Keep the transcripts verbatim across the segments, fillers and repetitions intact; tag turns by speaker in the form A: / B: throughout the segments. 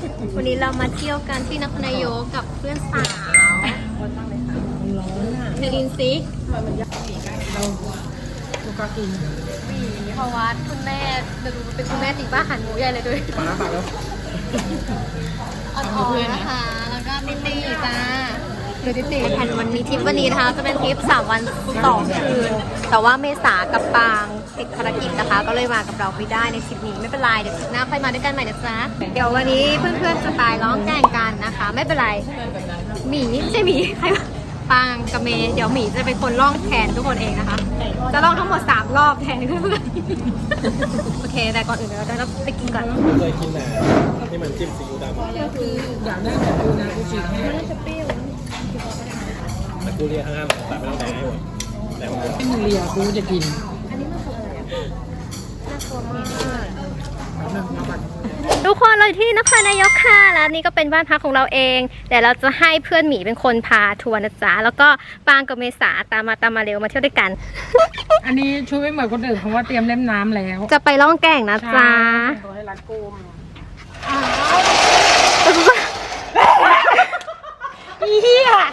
A: วันนี้เรามาเที่ยวกันที่นครนายกกับเพื่อนสาวเธอกินซิ
B: เราลูกก็กิน
A: เพราะว่าคุณแม่จะดูเป็นคุณแม่จริงป้าหันหมูใหญ่เลยด้วย
B: ปลาปากแล้ว
A: อ่อนๆนะคะแล้วก็ติตีจ้าดูติตีแผนวันนี้ทริปวันนี้นะคะจะเป็นทริปสามวันสองคืนแต่ว่าเมษากับปางติดภารกิจนะคะก็เลยมากับเราไม่ได้ในทริปนี้ไม่เป็นไรเดี๋ยวทริปหน้าค่อยมาด้วยกันใหม่นะจ๊ะเดี๋ยววันนี้เพื่อนๆจะตายร้องแกล้งกันนะคะไม่เป็นไรหมีไม่ใช่หมีใครปางกับเมย์เดี๋ยวหมีจะเป็นคนล่องแทนทุกคนเองนะคะจะล่องทั้งหมดสามรอบแทนเพื่อนๆโอเคแต่ก่อนอื่นเราจะไปกินก่อน
B: เคยกินแต่ที่มันจิ้มซีอิ๊วดำคืออยากได้แบบดูนะกูจีให้แต่กูเรียกห้ามแต่ไม่ต้องแดงให้หมดแต่ว่าไม่มึงเรียกูจะกินอันนี้มันคืออะไรอ่ะน่ากลัวมาก
A: ทุกคนเราที่นครนายกค่ะแล้วนี่ก็เป็นบ้านพักของเราเองแต่เราจะให้เพื่อนหมีเป็นคนพาทัวร์นะจ๊ะแล้วก็ปางกับเมษาตามมาตามมาเร็วมาเที่ยวด้วยกัน
B: อันนี้ช่วยไม่เหมือนคนอื่นเพราะว่าเตรียมเล่มน้ำแล้ว
A: จะไปล่องแก่งนะจ๊ะ
B: ให้รัดกุมเฮีย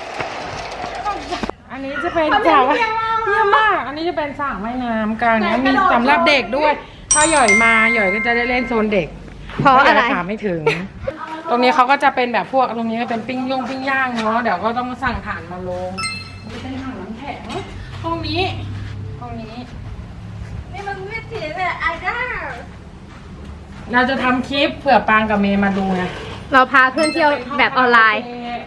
B: อันนี้จะเป็นสระเฮียมากอันนี้จะเป็นสระว่ายน้ำกันนะมีสำหรับเด็กด้วยถ้าหย่อยมาหย่อยก็จะได้เล่นโซนเด็ก
A: เพราะอะไร
B: ถามไม่ถึงตรงนี้เขาก็จะเป็นแบบพวกตรงนี้ก็เป็นปิ้งย่งปิ้งย่างเนาะเดี๋ยวก็ต้องสั่งถ่านมาลงจะเป็นถังน้ำแข็งห้องนี้ห้องนี้
A: นี่มันไม่ถีบเลยไอ้ด้า
B: เราจะทำคลิปเผื่อปางกับเมย์มาดูไง
A: เราพาเพื่อนเที่ยวแบบออนไลน์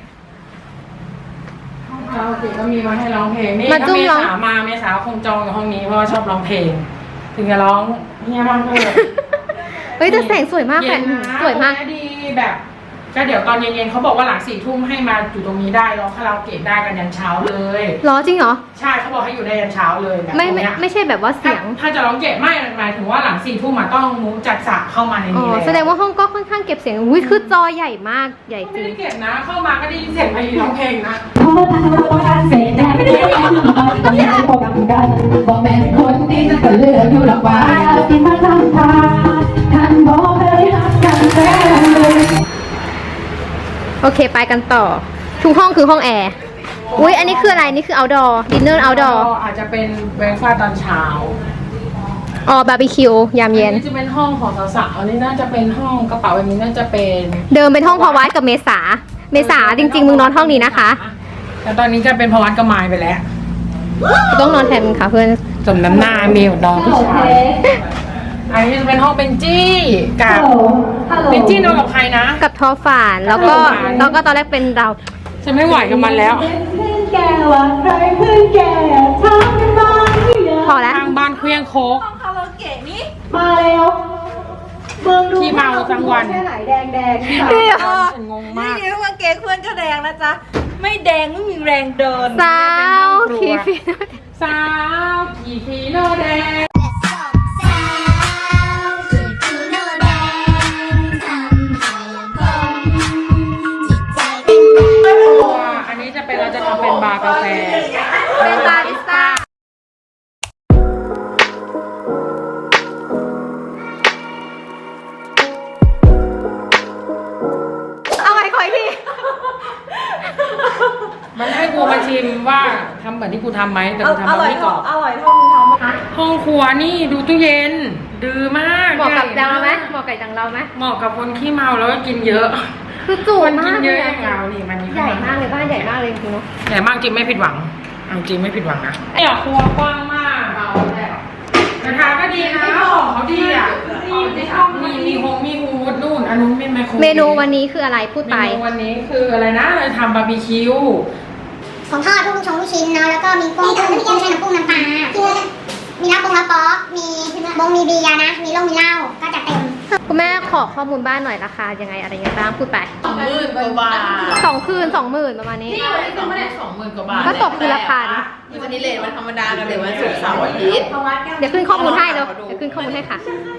B: ห้องคาราโอเกะก็มีมาให้ร้องเพลงนี่ถ้าเมษามาเมษาคงจองกับห้องนี้เพราะว่าชอบร้องเพลงถึงจะร้องเฮียมากเลย
A: เฮ้ยแต่แสงสวยมากแสงสวยมาก
B: ดีแบบก็เดี๋ยวตอนเย็นๆเขาบอกว่าหลังสี่ทุ่มให้มาอยู่ตรงนี้ได้ร้องคาราโอเกะได้กันยันเช้าเลย
A: หรอจริงเหรอ
B: ใช่เขาบอกให้อยู่ได้ยันเช้าเลยแบบ
A: ไม่ไม่ไม่ใช่แบบว่าเสียง
B: ถ้าจะร้องเกะไม่หมายถึงว่าหลังสี่ทุ่มมาต้องมูจัดสระเข้ามาในนี้เลย
A: แสดงว่าห้องก็ค่อนข้างเก็บเสียงอุ้ยคือจอใหญ่มากใหญ่จริง
B: ไม่ได้เก็บนะเข้ามาก็ได้ยินเสียงไพเราะเพลงนะ
C: ไม่ได้ต้องย้ายโปรแกรมกันบอกแม่คนนี้จะเลือกอยู่หรอกว่าที่มาทำทางท่านบอกให้รักกันแท้เลย
A: โอเคไปกันต่อทุกห้องคือห้องแอร์อุ้ยอันนี้คืออะไรนี่คือ outdoor dinner outdoor
B: อาจจะเป็นเบรคฟาสต์ตอนเช้า
A: อ๋อบาร์บีคิวยามเย็น
B: นี่จะเป็นห้องของสาวๆอันนี้น่าจะเป็นห้องกระเป๋าแบบนี้น่าจะเป็น
A: เดิมเป็นห้องพอวัดกับเมษาเมษาจริงๆมึงนอนห้องนี้นะคะ
B: แต่ตอนนี้จะเป็นพอวัดกับไม้ไปแล้ว
A: ต้องนอนแทนมึงค่ะเพื่อน
B: สมน้ำหน้าเมียวน้องผู้ชายอันนี้จะเป็นห้องเบนจี้กับเบนจี้นอนกับใครนะ
A: กับทอฝันแล้วก็แล้วก็ตอนแรกเป็นเรา
B: ฉันไม่ไหวกับมันแล้ว
A: พอแล้ว
B: ทางบ้านเครื่องโคก
C: ห้องคาราโอเกะนี่มาแล้วเมืองดู
B: ที่เมาจังวัน
C: แค่ไหนแดงแดง
B: นี่ฉันงงมาก
C: นี่ว่าเก๋เพื่อนก็แดงนะจ๊ะไม่แดงไม่มีแรงเดิน
A: สาวขี่ฟีโน
B: สาวขี่ฟีโนแดงอันนี้จะเป็นเราจะทำเป็นบาร์กาแฟ
A: เป็นบาริสต้าเอาไว้คอยที
B: มันให้กูมาชิมว่าทำเหมือนที่กูทำไหมแต่กูทำแบบนี้ก่อน
C: อร่อยเท่ามึงทำ
B: ห้องครัวนี่ดูตู้เย็นดื้อมาก
A: เหมาะกับดังเราไหมเหมาะกับดังเราไหม
B: เหมาะกับคนขี้เมาแล้วก็กินเยอะ
A: คือจูนมาก
B: เยอะอย่างเรานี่มัน
A: ใหญ่มากเลยบ้านใหญ่มากเลยจริงๆเนาะ
B: ใหญ่มากจริงไม่ผิดหวังเอาจริงไม่ผิดหวังนะไอ้ครัวกว้างมากเรากระทะก็ดีนะของเขาดีอ่ะมีมีหงมีฮูดนู่นอันนู้นเป็นไมโคร
A: เมนูวันนี้คืออะไรพูดไป
B: เมนูวันนี้คืออะไรนะเราทำบาร์บีคิว
D: ของทอดทุกชงลูกชิ้นเนาะแล้วก็มีกุ้งกุ้งกุ้งใช้น้ำกุ้งน้ำปลามีน้ำปรุงน้ำป๊อกมีบงมีเบียร์นะมีเหล้ามีเหล้าก็จะเต็ม
A: คุณแม่ขอข้อมูลบ้านหน่อยราคายังไงอะไรยังไงบ้างพูดไป
E: สองหมื่นกว่าบาท
A: สองคืนสองหมื่นประมาณนี้
E: ที่วันนี้ก็ไม่ได้สองหมื่นกว่าบาท
A: ก็ตกคืนละพัน
E: วันนี้เลทวันธรรมดากันเลยวันศุกร์เสาร์อาทิตย์
A: เดี๋ยวขึ้นข้อมูลให้แล้วเดี๋ยวขึ้นข้อมูลให้ค่ะ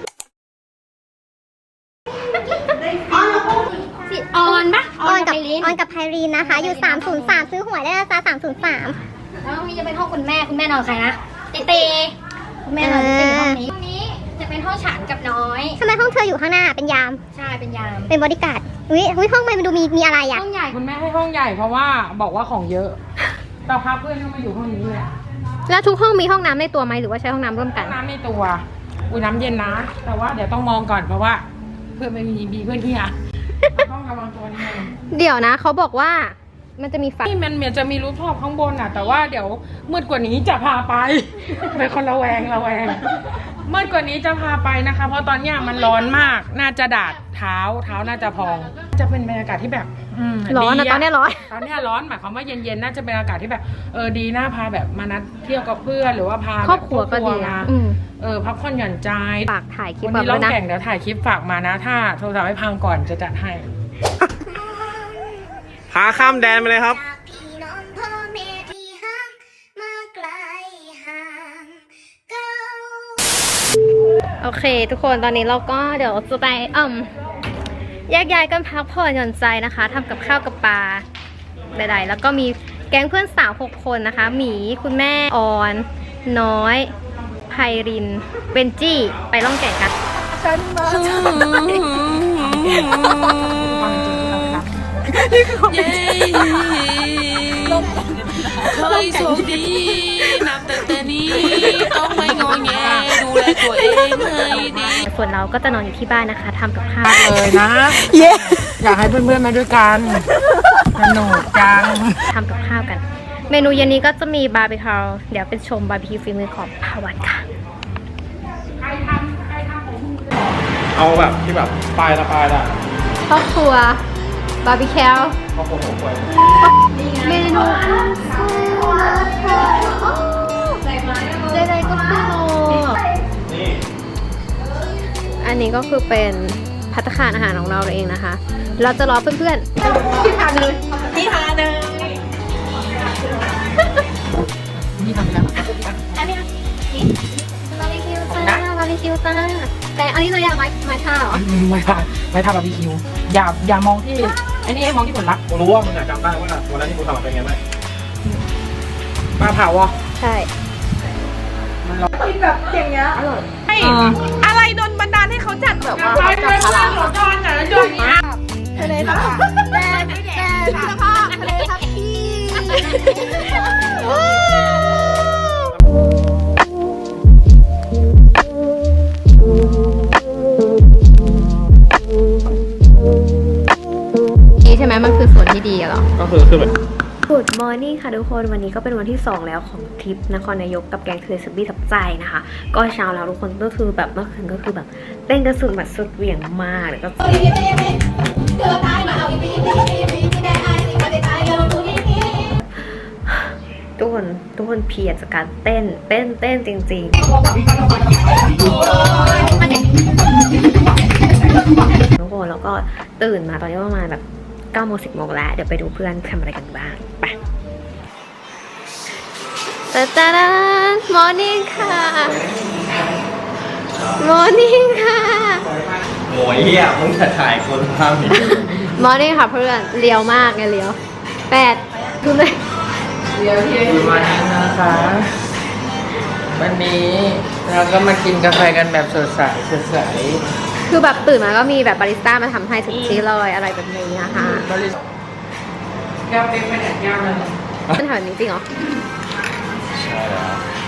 A: ออนปะ
D: ออนกับออนกับไพรีนนะคะอยู่สามศูนย์สามซื้อหวยได้นะจ๊ะสามศูนย์สาม
A: แล้วมีจะเป็นห้องคุณแม่คุณแม่นอนใครนะเตเตคุณแม่นอนเตห้องนี้ห้องนี้จะเป็นเป็นห้องฉันกับน้อย
D: ทำไมห้องเธออยู่ข้างหน้าเป็นยาม
A: ใช่เป็นยาม
D: เป็นบอดี้การ์ดอุ้ยอุ้ยห้องมันมันดูมีมีอะไรอ่ะ
A: ห้องใหญ่
B: คุณแม่ให้ห้องใหญ่เพราะว่าบอกว่าของเยอะแต่พาเพื่อนเข้ามาอยู่ห้องนี้เลย
A: แล้วทุกห้องมีห้องน้ำในตัวไหมหรือว่าใช้ห้องน้ำร่วมกัน
B: น้ำในตัวอุ้ยน้ำเย็นนะ แต่ว่าเดี๋ยวต้องมองก่อนเพราะว่า เพื่อนไม่มีมีเพื่อนที่อ่ะต้องระวังตัวนิดนึง
A: เดี๋ยวนะเขาบอกว่ามันจะมีไฟ
B: นี่มันเหมือนจะมีรูปท็อปข้างบนอ่ะ แต่ว่าเดี๋ยวมืดกว่านี้จะพาไป ไปคนละแวงละแวงมืดกว่านี้จะพาไปนะคะ เพราะตอนเนี้ยมันร้อนมากน่าจะดาดเท้าเท้าน่าจะพอง จะเป็นบรรยากาศที่แบบอืม
A: ร้อนนะ
B: ดี
A: ตอนเนี้ยร้อน
B: ตอนเนี้ยร้อนหมายความว่าเย็นๆน่าจะเป็นอากาศที่แบบเออดีน่าพาแบบมานัดเที่ยวกับเพื่อนหรือว่าพา
A: ครอบครัวก็ดี
B: มา
A: อะอืม
B: เออพักผ่อนหย่อนใจ
A: ฝากถ่ายคลิป
B: วัน
A: แบบ
B: นี้ร้
A: ด้
B: อ
A: ว
B: ง
A: ยนะ
B: แข่งเดี๋ยวถ่ายคลิปฝากมานะ ถ้าโทรศัพท์ให้พังก่อนจะจัดให้
F: พาข้ามแดนไปเลยครับ
D: จากพี่น้องพ่อแม่ที่ห่างมาไกลห่างเก้า
A: โอเค ทุกคนตอนนี้เราก็เดี๋ยวจะไปเอ่มแยกย้ายกันพักผ่อนหย่อนใจนะคะทำกับข้าวกับปลาใดๆแล้วก็มีแก๊งเพื่อนสาวหกคนนะคะหมีคุณแม่ออน น้อยไพรินเบนจี้ไปล่องแก่งกัน
E: เย้เคยโชคดีนับแต่แต่นี้ต้องไม่งอแงดูแลตัวเองให้ดี
A: ส่วนเราก็จะนอนอยู่ที่บ้านนะคะทำกับข้าว
B: เลยนะ เย้อยากให้เพื่อนๆมาด้วยกันสนุกจัง
A: ทำกับข้าวกัน เมนูเย็นนี้ก็จะมีบาร์บีคิวเดี๋ยวเป็นชมบาร์บีคิวฝีมือของภาวัตค่ะ
F: เอาแบบที่แบบปลายละปลายละ
A: ครอบครัวบาร์บีคิว
F: ข้าวโพดหัวควาย
A: เมนูใดๆก็คือโล
F: นี่
A: อันนี้ก็คือเป็นภัตตาคารอาหารของเราเองนะคะ เราจะรอเพื่อนๆที่ทานเลย
E: ที่หาเดิน
B: นี่ทำไปแล้ว
A: อันนี้บาร์บีคิวจ้าบาร์บีคิวจ้าแต่อันนี้เราอยากไม้ไม้ท่าเหรอ
B: ไม่ทำไม่ทำบาร์บีคิวอย่าอย่ามองที่ไอ้นี่ให้มองที่ผลลัพธ์
F: กูรู้ว่ามึงอะจำได้ว่าวันนั้นที่กูทำเป็นไงไหม
B: ปลาเผาอ่ะ
A: ใช่
E: อะไรโดนบันดาลให้เขาจัดแบบว่า
B: ไปไปไปหลอดจอนแต่ละจอนนี้
A: ทะเลทับแม่แม่สภาพทะเลทับพี่ใช่ไหมมันคือส่วนที่ดีอะเหรอ
F: ก็คือคือแบบ
A: Good morning ค่ะทุกคนวันนี้ก็เป็นวันที่สองแล้วของทริปนครนายกกับแกงเทเลสบี้ทับใจนะคะก็เช้าแล้วทุกคนก็คือแบบเมื่อคืนก็คือแบบเต้นกระสุนแบบสุดเหวี่ยงมากแล้วก็ทุกคนทุกคนเพลียจากการเต้นเต้นเต้นจริงๆทุกคนแล้วก็ตื่นมาตอนนี้ประมาณแบบเก้าโมงสิบโมงแล้วเดี๋ยวไปดูเพื่อนทำอะไรกันบ้างไปตาตาดานมอร์นิ่งค่ะมอร์นิ่งค่ะ
F: โหยเหี้ยมึงจะถ่ายคนภาพนี้
A: มอร์นิ่งค่ะเพื่อนเลี้ยวมากไงเลี้ยวแปดดูเลย
B: วันนี้นะคะวันนี้เราก็มากินกาแฟกันแบบสดใสสดใส
A: คือแบบตื่นมาก็มีแบบบาริสต้ามาทำให้ทุกที่เลยอะไรแบบนี้นะคะ
B: บริสุทธิ์แก้วเป็นไปไหนแก้วเลย
A: เป็นแบบนี้จริงเหรอ
F: ใช่แล้ว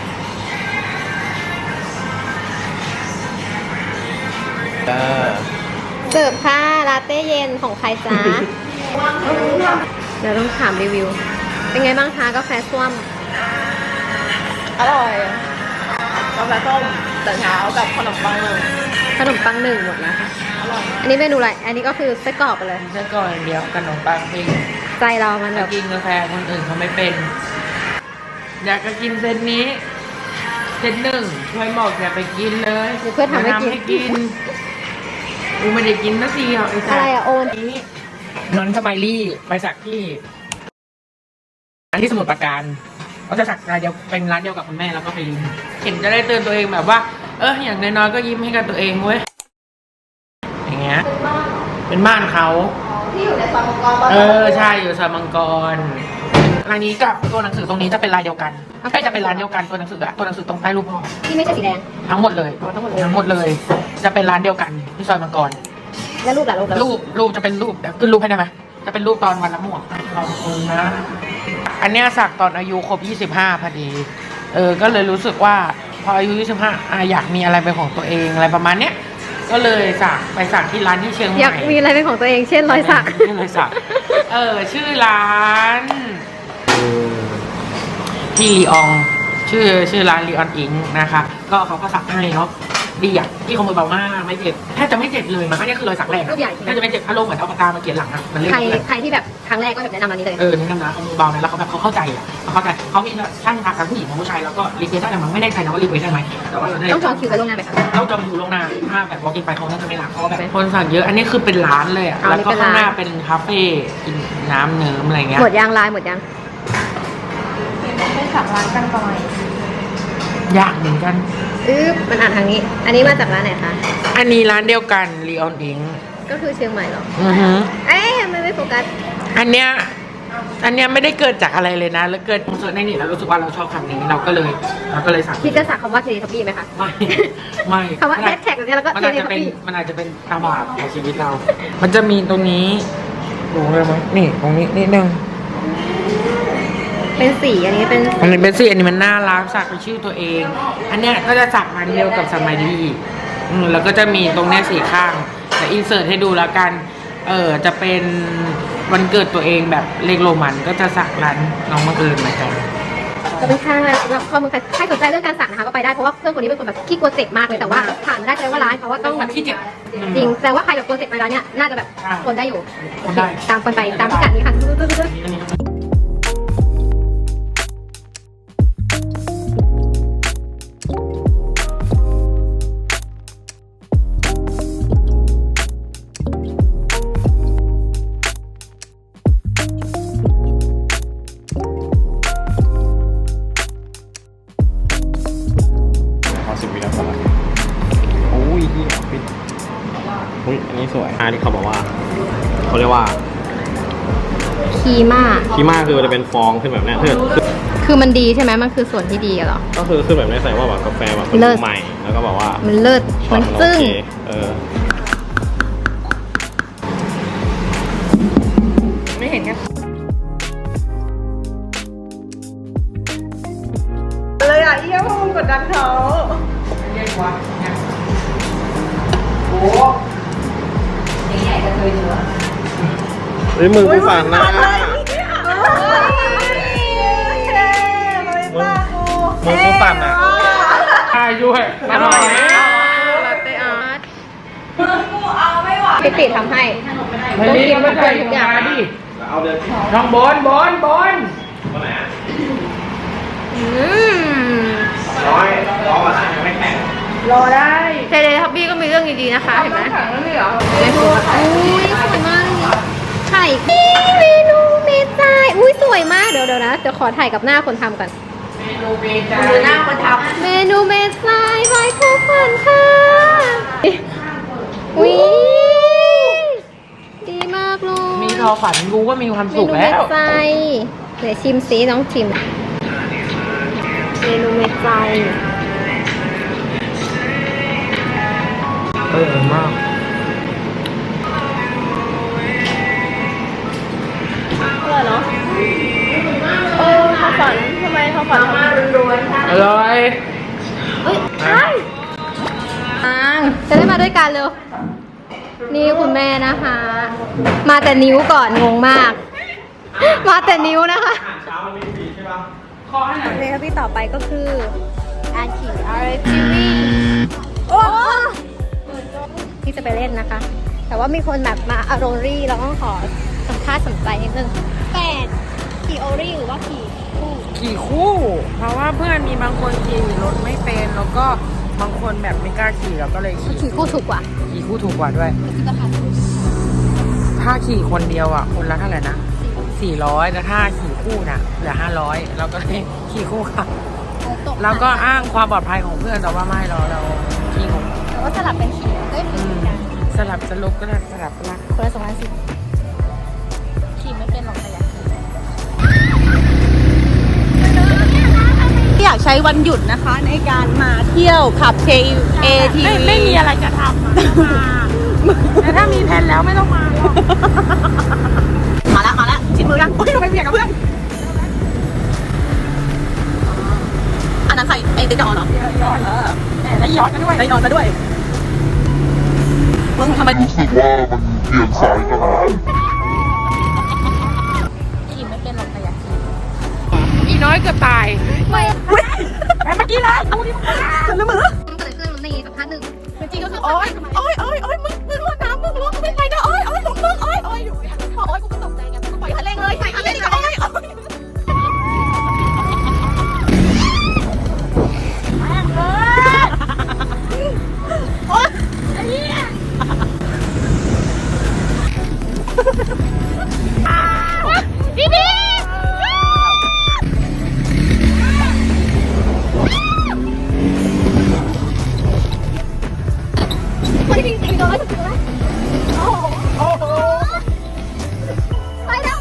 F: เออ
A: เสิร์ฟค่ะลาเต้เย็นของใครจ๊ะ เดี๋ยวต้องถามรีวิว เป็นไงบ้างคะกาแฟส้วม
E: อร่อยกาแฟส้มแต่เช้ากับขนมปังเลย
A: ขนมปังหนึ่งหมดแล้วค่ะอันนี้เมนูอะไร อันนี้ก็คือไส้กรอกไปเลย
B: ใช่ก่อนเดียวขนมปังปิ้ง
A: ใจเรามันแบ
B: จะ
A: บ
B: กินกาแฟคนอื่นเขาไม่เป็น อยากจะกินเซตนี้เซตหนึ่งช่วยบอกอย่าไปกินเลย
A: เพื่อนทำให้กิน
B: ให้กินกูไม่ได้กินสักทีหรอกไอ้สั
A: อะ
B: ส
A: ไรอะโอน
B: นี้นอนสบายลี่ไปสักที่อันที่สมุทรปราการเขาจะสักร้านเดียวเป็นร้านเดียวกับคุณแม่แล้วก็ไปยิ้มเห็นจะได้เตือนตัวเองแบบว่า เอออย่างน้อยๆก็ยิ้มให้กับตัวเองเว้ยอย่างเงี้ยเป็นบ้านเขา
A: ที่อยู่ในซอยมังกร
B: เออใช่อยู่ซอยมังกรร้านนี้กับตัวหนังสือตรงนี้จะเป็นลายเดียวกันก็จะเป็นร้านเดียวกันตัวหนังสืออะตัวหนังสือตรงใต้รูปพ่อ
A: ที่ไม่ใช่สีแดง
B: ทั้งหมดเลยทั้งหมดเลยทั้งหมดเลย จะเป็นร้านเดียวกันที่ซอยมังกร
A: แล้วรูปล่ะรูปล่ะ
B: รูปรูปจะเป็นรูปเดี๋ยวขึ้นรูปให้ได้ไหมจะเป็นรูปตอนวันละหมวกขอบคุณนะ อันเนี้ยสักตอนอายุครบยี่สิบห้าพอดี เออ ก็เลยรู้สึกว่าพออายุยี่สิบห้าอ่ะอยากมีอะไรเป็นของตัวเองอะไรประมาณเนี้ย ก็เลยสักไปสักที่ร้านที่เชียงใหม่
A: อยากมีอะไรเป็นของตัวเองเช่นรอยสัก
B: ชื่อรอยสัก เออ ชื่อร้านที่ลีออง ชื่อชื่อร้านลีออนอิงนะคะ ก็เขาก็สักให้เนาะดีอ่ะที่ขโมยเบามากไม่เจ็บแทบจะไม่เจ็บเลยมันก็เนี่ยคือรอยสักแรก
A: รูปใหญ่ใช่ไหม
B: น่าจะไม่เจ็บอารมณ์เหมือนเอาปากกามาเขียนหลังอ่ะมันเล่น
A: ใครใครที่แบบครั้งแรกก็แบบแนะนำอันนี้เลย
B: เออแนะนำนะขโมยเบาเนี่ยแล้วเขาแบบเขาเข้าใจอ่ะเขาเข้าใจเขามีช่างทักทั้งผู้หญิงทั้งผู้ชายแล้วก็รีเควสได้แต่มันไม่แน่ใจนะว่ารีเควสได้ไหมแต่ว่าเราได้
A: ต้องจองคิวกันล่วงหน้าไหมคะ
B: ต้องจองคิวล่วงหน้าถ้าแบบวอล์กอินไปเขาน่าจะไม่รับเพราะว่าแบบคนสั่งเยอะอันนี้คือเป็นร้านเลยอ่ะ
A: อ๋อ
B: แล้วก็
A: นี่เป็น
B: ข้างหน้า
A: ร้าน
B: เป็นคาเฟ่กินน้ำเนิ้มอะไรเงี้ย
A: หมดยางลายหมดยาง
B: ยากเหมือนกัน
A: อึ๊บมันอ่านทางนี้ อันนี้มาจากร้านไหนคะ
B: อันนี้ร้านเดียวกันลีออนอิง
A: ก็คือเชียงใหม่เหรอ
B: อือฮึ
A: เอ๊ะไม่ไม่โฟกัส
B: อันเนี้ยอันเนี้ยไม่ได้เกิดจากอะไรเลยนะแล้วเกิดเสิร์ชในนี่แล้วรู้สึกว่าเราชอบคำนี้เราก็เลยเราก็เลยสั่ง
A: พี่จะสักคำว่าเทเลทับบี้ไหมคะ
B: ไม่ไม่
A: คำว่าแฮชแท็กแบบนี้แล้วก็
B: มัน
A: เท
B: อาจ
A: เล
B: จะ
A: ทับ
B: เป็น
A: บี้
B: มันอาจจะเป็นตาบาปของชีวิตเรา มันจะมีตรงนี้ดูเลยมั้ยนี่ตรงนี้นิดนึง
A: เป็นสีอันนี้เป็น
B: อันนี้เป็นสีอันนี้มันน่ารักสักเป็นชื่อตัวเอง อันเนี้ยก็จะสักมันเดียวกับสมัยดีอืมแล้วก็จะมีตรงเนี้ยสีข้างแต่อินเสิร์ตให้ดูแล้วกัน เออจะเป็นวันเกิดตัวเองแบบเลขโรมันก็จะสักร้านน้องบังเอิญเหมือนกัน
A: ก็เป็นค่าสำหรับข้อมูลใครสนใจเรื่องการสักนะคะก็ไปได้เพราะว่าเพื่อนคนนี้เป็นคนแบบขี้กลัวเจ็บมากเลยแต่ว่าผ่านมาได้แสดงว่าร้านเขาว่าต้องแบบ
B: ที่เจ็บ
A: จริงแต่ว่าใครแบบกลัวเจ็บไปร้านเนี้ยน่าจะแบบทนได้อยู่
B: ทนได้
A: ตามคนไปตามพิกัดนี้ค่ะ
B: อันนี้
F: ขอสิบวินาทีโอ้ยที่ปิดอุ้ยอันนี้สวยอันนี้เขาบอกว่าเขาเรียกว่า
A: คีมา
F: คีม่าคือมันจะเป็นฟองขึ้นแบบเนี้ยคือ
A: คือมันดีใช่ไหมมันคือส่วนที่ดีอะเหรอ
F: ก็คือขึ้นแบบนี้แสดงว่าแบบกาแฟแบบมัน
A: เลิศ
F: ใหม่แล้วก็บอกว่า
A: มันเลิศ
F: ช็อ
A: มัน
F: ตมัน
A: จึ้ง
F: โอเคเออ
B: ไม่เห็นกันเลยอ่ะเอี้ยพวกมึงกดดันเขาเรียกว่าโอ้
F: เฮ้ยมึงกูฝันนะมึงมึงกูฝันอ่ะ
B: ใช่ด้วยอร่อยนะ
A: ลาเต้อาร์ตพี่ติทำให้
B: ไม่รีบไม่ใช่ทุกอย่างดิ
F: เอาเดิน
B: น้องบอลบอลบอล
F: ตัวไหนอ่ะ
A: อืม
F: ร้อยร้อยกว่าสิบไม่แข็ง
B: รอได้
A: เทเลทับบี้ก็มีเรื่องดีๆนะคะเห็นไหมไม่ถูกอุ้ยสวยมากเลยไข่เมนูเมจายอุ้ยสวยมากเดี๋ยวเดี๋ยวนะเดี๋ยวขอถ่ายกับหน้าคนทำก่อน
B: เมนูเบจาดูหน้าคนท
A: เมนูเมจายไว้คู่ฝันค่ะอุ้ยดีมากเลย
B: ำมีทอฝันรู้ว่ามีความ
A: เม
B: สุข
A: นูเม
B: แล้ว
A: จายเดี๋ยวชิมซิน้องชิมเมนูเมจาย
B: เออมาก
A: อร่อยเนาะเออเขาฝันทำไมเขาฝันทำไม
B: อร่อย
A: เฮ้ยใช่จะได้มาด้วยกันเร็ว นี่คุณแม่นะคะ มาแต่นิ้วก่อนงงมาก มาแต่นิ้วนะคะ
F: เช้ามันมีสีใช่ปะ
B: ขอให้หน่อย
A: เลยครับพี่ต่อไปก็คืออาร์คิวอาร์ทีวีโอ้ที่จะไปเล่นนะคะ แต่ว่ามีคนแบบมาอารรี่เราต้องขอสัมภาษณ์สนใจนิดนึงแปดขี่โอรี่หรือว่าขี่คู่
B: ขี่คู่ เพราะว่าเพื่อนมีบางคนขี่รถไม่เป็นแล้วก็บางคนแบบไม่กล้าขี่เราก็เลยขี่
A: ขี่คู่ถูกกว่า
B: ขี่คู่ถูกกว่าด้วย ถ้าขี่คนเดียวอ่ะ คนละเท่าไหร่นะสี่ร้อยแต่ถ้าขี่คู่น่ะเหลือห้าร้อยเราก็เลยขี่คู่ค่ะแล้วก็อ้างความปลอดภัยของเพื่อนแต่ว่าไม่เราเราขี่ของ
A: แต่ว่าสลับเป็นขี่ก็
B: อื
A: ขี่
B: ม
A: กัน
B: สลับสลุกก็ได้สลับละ
A: คนละสองพันสิบขี่ไม่เป็นหรอกแต่อยากขี่
G: อยากใช้วันหยุดนะคะในการมาเที่ยวขับ เค เอ ที วี
B: ไม่มีอะไรจะทำอะแต่ถ้ามีแผนแล้วไม่ต้องมา
G: มาแล้วมาแล้วชิดมือยังโอ้ยทำไมเบียดกับเพื่อนอันนั้นใครไอ้ติ๊กจอเหรอ
B: แล้วย้อนกันด้วย
G: ไอ้นอนซะด้วยมึงทำไม
H: รู้สึกว่ามันเอียงซ้ายกันนะ
B: อีน้อยเกือบตายไม่ไปเมื่อกี้เลยเอาดิ
G: ฉันละมือ
A: มันเกิดขึ้นในสักพักหนึ่งจริงๆก็คือ
G: โอ้ยโอ้ยโอ้ยโอ้ยมึงมึงรวดน้ำมึงรวดไม่ไปนะโอ้ยโอ้ยมึงมึงโอ้ยโอ้ยอยู่พอโอ้ยกูก็ตกใจไงกูปล่อยคันเร่งเลยใส่คันเร่งเลยโอ้ยโอ้ยพี่พี่พี่พี่ตีน้อยสุดเลยโอ้โหโอ้โหไปแล้ว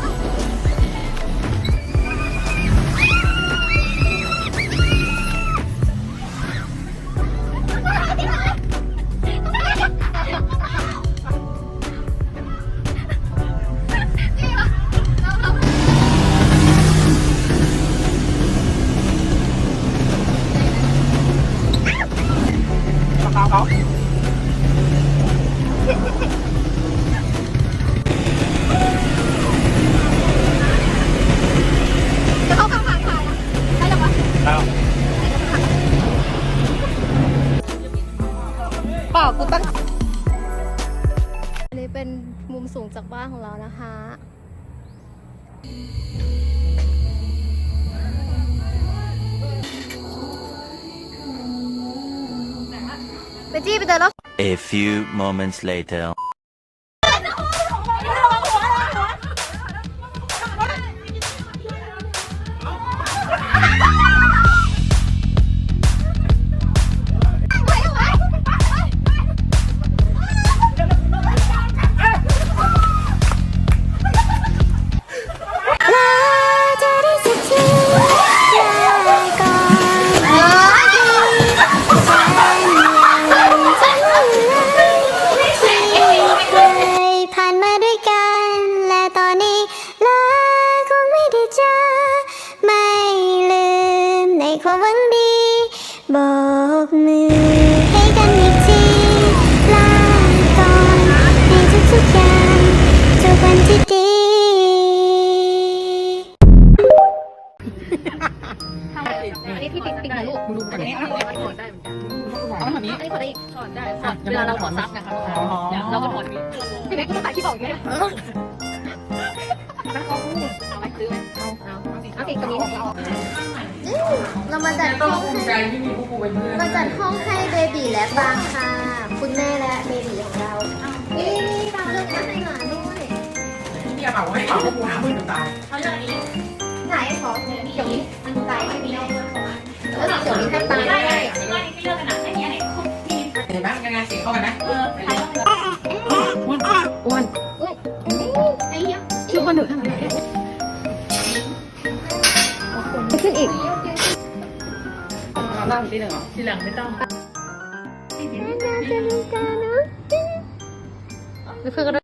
G: จะเข้าข้างทางค่ะได้ยังวะเปล่ากูตั้งอันนี้เป็นมุมสูงจากบ้านของเรานะคะไปจี้ไปเดินรถ
I: A few moments later.
D: ผ่านมาด้วยกันและตอนนี้ลาคงไม่ได้เจอไม่ลืมในความหวังดีโบกมือให้กันอีกทีลาก่อนในทุกๆอย่างทุกวันที่ดี
A: อันนี้ที่ติ๊กติ๊กนะลูก
B: มึงดูกันนี้
A: ถอดได้เหมือนกันเอาแบบนี้อันนี้ถอดได้อีกถอดได้เวลาเราถอดซับนะคะเราก็ถอดนี้พี่เล็กก็ถ่ายที่บอกอยู่เนี่ยเอาไหมซื้อไหมเอาเอาเอาสิตรงนี้เรามาจัดห้อง
B: ภูมิใจที่มีพวกกูเป็นเพื่อน
A: มาจัดห้องให้เบบีและบางค่ะ คุณแม่และเบบีของเรานี่ตาเลือกให้หลานด้วย
B: ที่เอาให้เป่าพวกกูหาเพื่อนจนตาย
A: ไหนขอเดี๋ยวนี้อันตายไม่มีแล้วแล้วเดี๋ยวนี้แทบตายได้
B: เห็นไหมงานเสียงเข้ากันไหม
A: อ้วนไอ้เหี้ยชื่อคนหนึ่งขนาดไหนขึ้นอีก
B: นั่งที่หนึ่งเหรอที่หลังไม่ต้อง
A: หรือเพื่อนก็ได้